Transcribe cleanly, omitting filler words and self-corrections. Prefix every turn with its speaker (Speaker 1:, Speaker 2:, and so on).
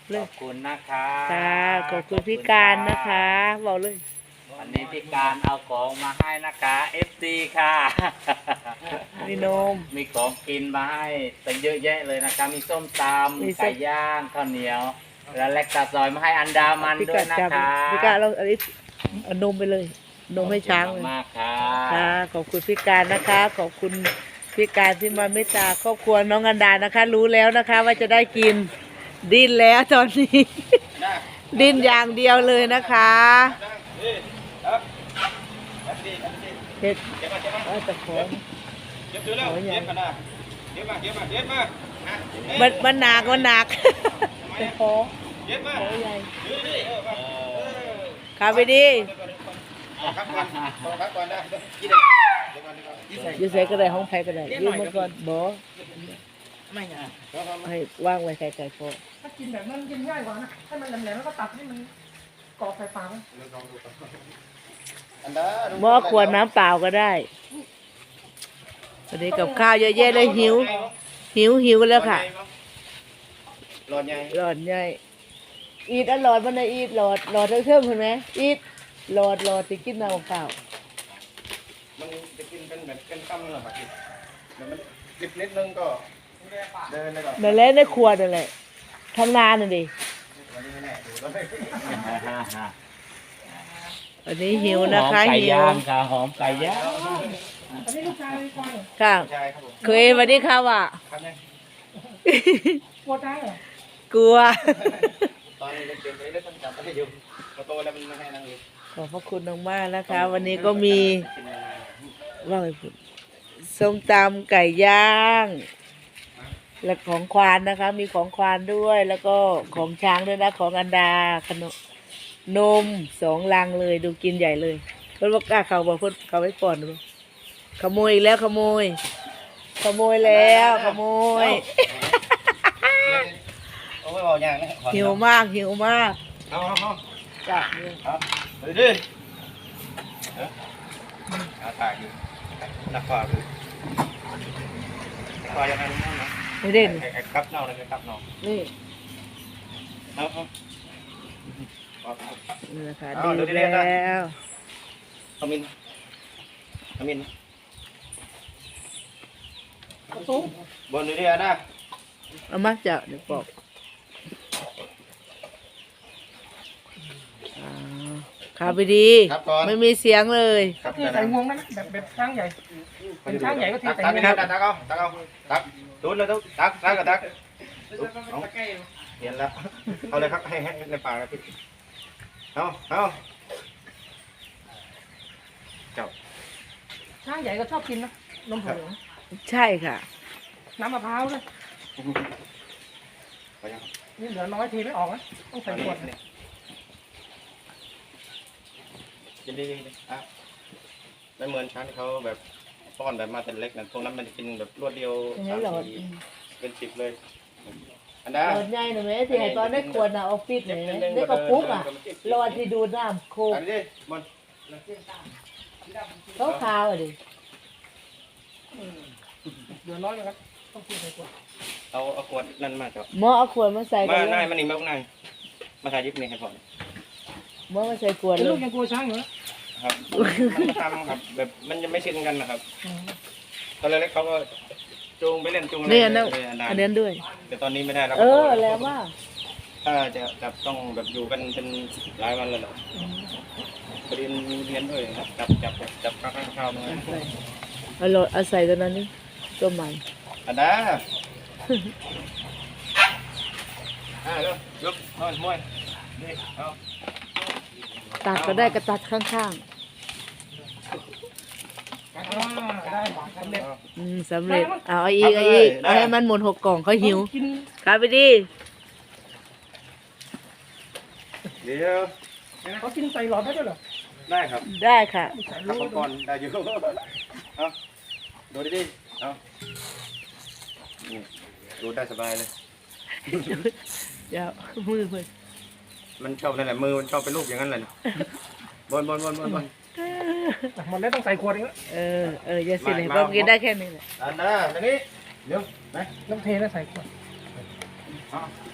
Speaker 1: เล
Speaker 2: ข
Speaker 1: ย
Speaker 2: อบคุณนะคะ
Speaker 1: ค่ะขอบคุณพี่การนะคะบอกเลย
Speaker 2: วันนี้พี่การเอาของมาให้นะคะFD ค่ะ
Speaker 1: มีนม
Speaker 2: มีของกินมาให้ตั้งเยอะแยะเลยนะคะมีส้มต
Speaker 1: มี
Speaker 2: ำ
Speaker 1: ส้ม
Speaker 2: ไก่ย่างข้าวเหนียว และเล็กตาซอยมาให้อันดามัน
Speaker 1: พี่
Speaker 2: ด้ว
Speaker 1: กาย
Speaker 2: นะ
Speaker 1: จับ
Speaker 2: คะ
Speaker 1: พี่กาเราอันนี้เอานมไปเลย นมให้ช้างเลย
Speaker 2: มากๆค่ะ
Speaker 1: ค่ะขอบคุณพี่การนะคะ ขอบคุณพี่การที่มาเมตตาครอบครัวน้องอันดานะคะ รู้แล้วนะคะว่าจะได้กินดิ้นแล้วตอนนี้ ดิ้นอย่างเดียวเลยนะคะเห็ดว่าจะขอมันหนักมันหนักจะขอใหญ่ขาไปดียืดใส่ก็ได้ห้องไผ่ก็ได้ยืดมาก่อนบ่ไม่ไงให้ว่างไว้ใส่ไก่พอ
Speaker 3: ถ้ากินแบบนั้นกินง่ายกว่านะให้มันแหลมๆแล้วก็ตัดให้มันกรอบไฟฟ้าไว้
Speaker 1: หม้อขวดน้ำเปล่าก็ได้วันนี้กับข้าวเยอะแยะเลยหิวกันแล้วค่ะ
Speaker 2: หลอดใหญ่
Speaker 1: หลอดใหญ่อีดหลอดมันนะอีดหลอดเทิมๆเห็นไหมอีดหลอดจะกินน้ำเปล่า
Speaker 4: มันจะกินเป็นแบบเป็นตั้มเลยครับเดี๋ยวมันดิบนิดนึงก็เดินเลยก่อน
Speaker 1: นั่นแหละในครัวนั่นแหละทำงานน่ะดิ
Speaker 4: วันนี้ไม่แน่ดูแล้ว
Speaker 1: วันนี้หิว
Speaker 2: ห
Speaker 1: นะ
Speaker 2: อม
Speaker 1: คะ
Speaker 2: ไก่
Speaker 1: หิว
Speaker 2: ย่างค่ะหอมไก่ย่าง
Speaker 3: อันนี้ลูกชายเลยก่อนเหรอ
Speaker 1: ค่ะ
Speaker 4: ใช่ครับผม
Speaker 1: เคยวันนี้ค่ะว่ะ
Speaker 4: ครับเนี่ย
Speaker 3: กลัวตายเหรอก
Speaker 1: ลัว
Speaker 4: ตอนนี้เด็กๆเลยเล่นต้นจับไปอยู่พอโตแล้วมันไม่ให้นั่งอยู่
Speaker 1: ขอบพระคุณมากๆนะคะ วันนี้ก็มีว่าไงพูดส้มตำไก่ย่าง และของควานนะคะ มีของควานด้วย แล้วก็ของช้างด้วยนะของอันดาขนมนม2 ลังเลยดูกินใหญ่เลยเพิ่นว่ากล้าเขาบอกเพิ่นเขาไว้ก่อนหรือเปล่าขโมยอีกแล้วขโมยแล้วขโมย
Speaker 4: โอ้ยบอกอย่างนะ
Speaker 1: หิวมาก
Speaker 4: เอา
Speaker 1: จ้ะ
Speaker 4: เอาไปดิเอาตายอยู่นักข่าวดูข่าวยังไงรู้มั้งนะ
Speaker 1: ไม่เด่น
Speaker 4: ไอ้ครับเน่าเลยครับเน่า
Speaker 1: นี่
Speaker 4: เอา
Speaker 1: นี่นะคะ
Speaker 4: เอา
Speaker 1: ดี
Speaker 4: เดี๋ยวเรียนนะ
Speaker 1: แล้ว
Speaker 4: เอามิน
Speaker 3: กระตุ้ง
Speaker 4: บนเรือนะ
Speaker 1: เอามาจ้ะเดี๋ยวบอกขาไปดี
Speaker 4: ครับก่อน
Speaker 1: ไม่มีเสียงเลย
Speaker 4: ครับ
Speaker 3: เทใส่งวงได้ไหมแบบช้างใหญ่ เป็นช้างใหญ่ก็เทใส่
Speaker 4: ตัก
Speaker 3: งวง
Speaker 4: ตักดูเลยทุกตักกับตักเห็นแล้วเอาเลยครับให้ในปากนะพี่เอาเจ้า
Speaker 3: ช้างใหญ่ก็ชอบกินนะนมผง
Speaker 1: ใช่ค่ะ
Speaker 3: น้ำมะพร้าวด้วย
Speaker 4: ไปยัง
Speaker 3: นี่เหลือน้อยเทไม่ออกนะต้องใส่ขวด
Speaker 4: ยินดีอ่ะไม่เหมือนช้างที่เขาแบบป้อนแบบมาแต่เล็กนั่นพวกนั้นมันจะกินแบบรวดเดียว
Speaker 1: ยังไงหลอด
Speaker 4: เป็น10เลยอัน
Speaker 1: หล
Speaker 4: นั้น
Speaker 1: อดใหญ่หน่อยไหมที่ให้ตอนได้ขวดน่ะออฟฟิศไหนได้กระปุกอ่ะหลอดที่ดูดน้ำโคก
Speaker 4: อันนี้มัน
Speaker 1: ขาวๆอ่ะดิ
Speaker 3: เหลือน้อยนะครับต้องเทใส่ขวด
Speaker 4: เอาขวดนั่นมาเจ้า
Speaker 1: หมอเอาขวดมาใส่
Speaker 4: มา
Speaker 1: กัน
Speaker 4: นาย
Speaker 1: เลย
Speaker 4: มันนี่มาพวกนายมาถ่ายยิบนี่ให้ผม
Speaker 1: หมอมาใส่ขวด
Speaker 3: เป็น
Speaker 1: เล
Speaker 3: ลู
Speaker 1: ย
Speaker 3: กยังกลัวช้างอยู่นะครับ
Speaker 4: มันทำครับแบบมันยังไม่ชินกันนะครับตอนเล็กๆเขาก็จูงไปเล่นจูง
Speaker 1: นี่อันนั้น
Speaker 4: เลย
Speaker 1: อันนั้นด้วย
Speaker 4: แต่ตอนนี้ไม่ได้แล้ว
Speaker 1: แล้วว่า
Speaker 4: ถ้าจะจับต้องแบบอยู่กันเป็นหลายวันเลยเหรอเรียนด้วยครับจับข้าวๆด้วย
Speaker 1: เอาหลอดเอาใส่ตัวนั้นนี่ตัวใหม่
Speaker 4: อันนั้นเร็วยกนอนมวยนี่เอา
Speaker 1: ตัดก็ได้ก็ตัดข้าง
Speaker 3: ได้สำเร็จ
Speaker 1: ๆสำเร็จเอาอีกเอาให้มันหมด6 กล่องเขาหิว
Speaker 3: กิน
Speaker 1: ขาไปดี
Speaker 4: เดี๋ยว
Speaker 3: เขากินใส่หลอดได้ด้วยเหรอ
Speaker 4: ได้ครับ
Speaker 1: ได้ค่ะ
Speaker 4: ขับก่อนได้อยู่เอาดูดิเอาดูได้สบายเลย
Speaker 1: เดี๋ยวมือ
Speaker 4: มันชอบนั่นแหละมือมันชอบเป็นลูกอย่างนั้นเลยบน
Speaker 3: หมดแล้วต้องใส่ขวดอีกแล้ว
Speaker 1: อย่าสิเลยเพราะกินได้แค่นี้แหละ
Speaker 4: อันนั้นอันนี้เดี๋ยวไหน
Speaker 3: ต้องเทแล้วใส่ขวด